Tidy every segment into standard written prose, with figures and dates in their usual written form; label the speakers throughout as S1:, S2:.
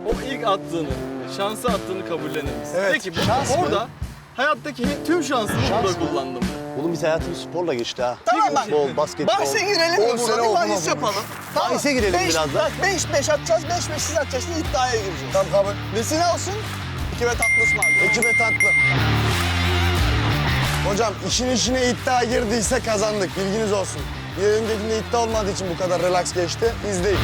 S1: O ilk attığını, şansı attığını kabullenir misin?
S2: Evet.
S1: Peki
S2: Şans mı?
S1: orada hayattaki tüm şansını burada kullandım.
S3: Oğlum biz hayatımız sporla geçti ha.
S4: Tamam bak.
S3: Futbol, basketbol.
S4: Bahse girelim
S2: 10
S4: mi
S2: sene
S4: burada?
S2: oldu
S4: Bir bahis
S2: ama bu.
S4: yapalım.
S3: Bahise girelim biraz da.
S4: Bak 5-5 atacağız, 5-5 siz atacaksınız, iddiaya gireceğiz.
S2: Tamam kabul.
S4: Nesi ne olsun? 2 ve tatlı ısmarlayalım.
S2: Ekibe tatlı. Hocam işin içine iddia girdiyse kazandık. Bilginiz olsun. Bir öncekinde iddia olmadığı için bu kadar relax geçti. İzleyin.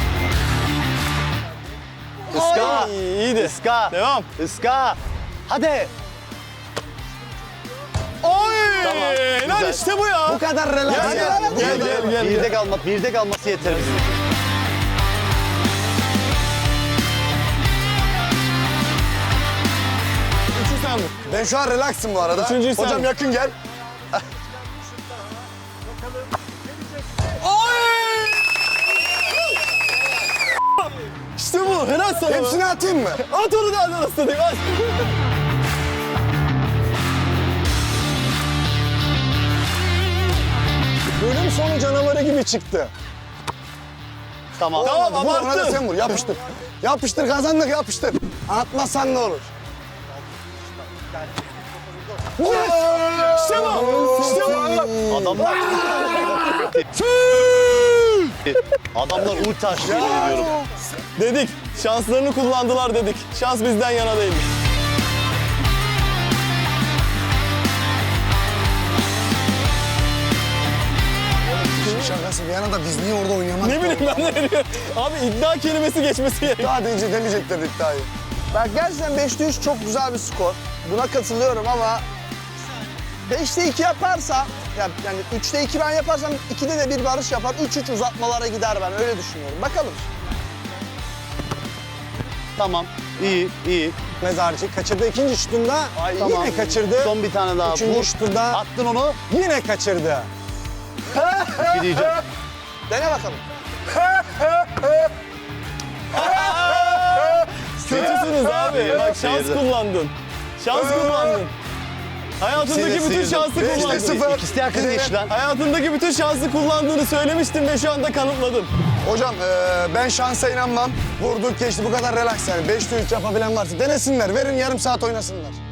S3: Iska.
S2: Ay, iyiydi.
S3: Iska.
S2: Devam.
S3: Iska. Hadi.
S2: Oy!
S3: Tamam,
S2: Lan
S3: güzel.
S2: işte bu ya. Bu kadar relax.
S3: Birde kalması yeter bize.
S2: Üçü sen vur. Ben şu an relaxım bu arada.
S1: Üçüncüyü sen
S2: Hocam
S1: vur.
S2: yakın gel.
S1: İşte bu, helal sana.
S2: Hepsini atayım mı?
S1: At onu da anasını satayım, at.
S2: Bölüm sonu canavarı gibi çıktı.
S3: Tamam.
S2: Tamam
S1: ama
S2: ama
S1: attım.
S2: sen vur. Yapıştır. Yapıştır kazandık yapıştır. Atmazsan ne olur?
S1: İşte bu. İşte bu.
S3: Adamlar... Adamlar ulti açtı yemin ediyorum.
S1: Dedik, şanslarını kullandılar dedik. Şans bizden yana değil.
S2: Şakası bir yana da biz niye orada oynayamadık?
S1: Ne bileyim ben ne diyorum. Abi iddia kelimesi geçmesi gerekiyor.
S2: Daha deyince demeyecekler iddiayı.
S4: Bak gerçekten 5'te 3 çok güzel bir skor. Buna katılıyorum ama 5'te 2 yaparsam, yani 3'te 2 ben yaparsam 2'de de bir Barış yapar. 3-3 uzatmalara gider ben öyle düşünüyorum. Bakalım.
S3: Tamam. İyi, iyi.
S2: Mezarcı kaçırdı ikinci şutunda.
S3: Tamam.
S2: Yine kaçırdı.
S3: Son bir tane daha.
S2: Üçüncü
S3: Vur.
S2: şutunda
S3: Attın onu.
S2: yine kaçırdı.
S3: Bir diyeceğim.
S4: Dene bakalım.
S1: Kötüsünüz abi. Bak şans
S3: Seyirdi.
S1: kullandın. Şans kullandın. Hayatındaki bütün
S3: seyirdi.
S1: şansı
S2: 5'te
S1: kullandın.
S2: 0.
S3: İkisi de yakın geçti lan.
S1: Hayatındaki bütün şansı kullandığını söylemiştin ve şu anda kanıtladın.
S2: Hocam ben şansa inanmam. Vurduk geçti bu kadar relax yani. 5'te 3 yapabilen varsa denesinler. Verin yarım saat oynasınlar.